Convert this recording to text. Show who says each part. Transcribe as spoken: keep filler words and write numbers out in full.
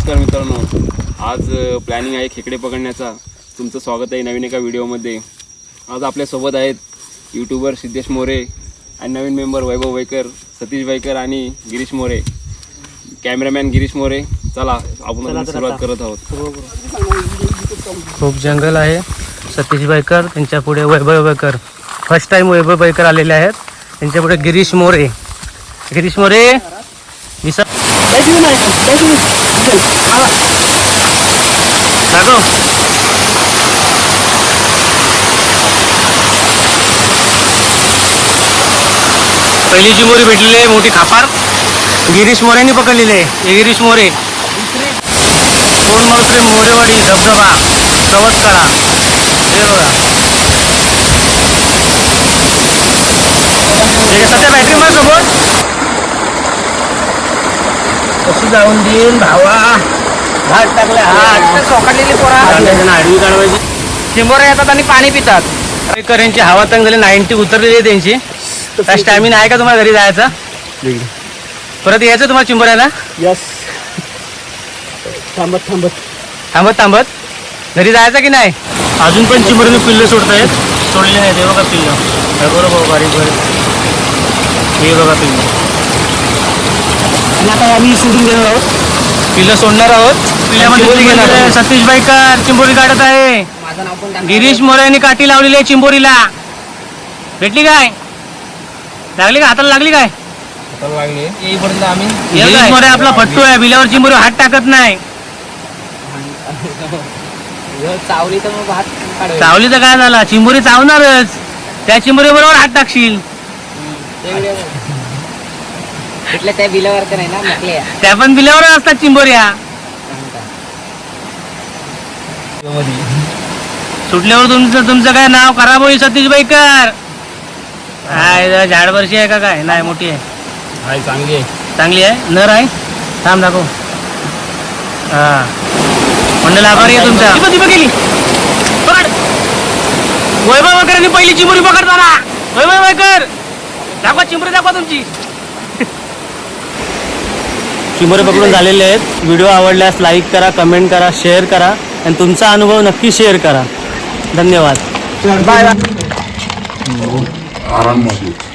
Speaker 1: नमस्कार मित्रांनो, आज प्लॅनिंग आहे खेकडे पकडण्याचा. तुमचं स्वागत आहे नवीन एका व्हिडिओमध्ये. आज आपल्यासोबत आहेत यूट्यूबर सिद्धेश मोरे आणि नवीन मेंबर वैभव वैकर, सतीश वैकर आणि गिरीश मोरे, कॅमेरामॅन गिरीश मोरे. चला आपण सुरुवात करत आहोत.
Speaker 2: खूप जंगल आहे. सतीश वैकर, त्यांच्या पुढे वैभव वैकर. फर्स्ट टाइम वैभव वैकर आलेले आहेत. त्यांच्या पुढे गिरीश मोरे. गिरीश मोरे विसा दाखव. पहिली चिंबोरी भेटलेली आहे मोठी खापार, गिरीश मोरेंनी पकडलेली आहे. हे गिरीश मोरे. कोण मावसरे मोरेवाडी धबधबा चवतकाळा. हे बघा, सध्या बॅटरी मार सोबत कसं जाऊन देईन भावा. हात टाकले, हात सोकडलेली पोरा आडवी काढवायची. चिंबोरे येतात आणि पाणी पितात. यांची हवा तंग झाली, नाईन्टी उतरलेली आहे त्यांची. काय स्टॅमिना आहे का तुम्हाला घरी जायचा? परत यायचं तुम्हाला चिंबोऱ्याला? यस. थांबत थांबत थांबत थांबत घरी जायचं की नाही? अजून पण चिंबोरीने पिल्लं सोडतायत. सोडले नाही ते बघा पिल्लं. बरोबर बारीक बारीक. हे बघा पिल्लं. आणि आता आम्ही सोडून घेणार आहोत. पिल्लं सोडणार आहोत. पिल्ल्यामध्ये सतीश वैकर चिंबोरी काढत आहे. गिरीश मोरे यांनी काठी लावलेली आहे चिंबोरीला. भेटली काय? लागली का? हाताला लागली काय? गिरीश मोरे आपला फट्टू आहे. बिलावर चिंबोरी हात टाकत नाही.
Speaker 3: चावली तर मग हात
Speaker 2: चावली तर काय झाला, चिंबोरी चावणारच. त्या चिंबोरी बरोबर हात टाकशील.
Speaker 3: त्या बिलावर तर नाही ना म्हटले.
Speaker 2: त्या पण बिलावर असतात चिंबोऱ्या. सुटल्यावर तुमचं तुमचं काय नाव खराब होईल सतीश वैकर. काय झाडवर्षी आहे का काय? नाही, मोठी आहे.
Speaker 1: चांगली आहे.
Speaker 2: चांगली आहे. नर आहे. थांब दाखव. हा, मंडल आभारी आहे तुमचा. गेली पकड. वैभव वैकरांनी पहिली चिंबोरी पकडताना. वैभव वैकर दाखवा चिंबोरी, दाखवा तुमची. चिंबोरी पकडून झालेले आहेत. व्हिडिओ आवडल्यास लाईक करा, कमेंट करा, शेअर करा आणि तुमचा अनुभव नक्की शेअर करा. धन्यवाद. Bye bye.
Speaker 4: आराम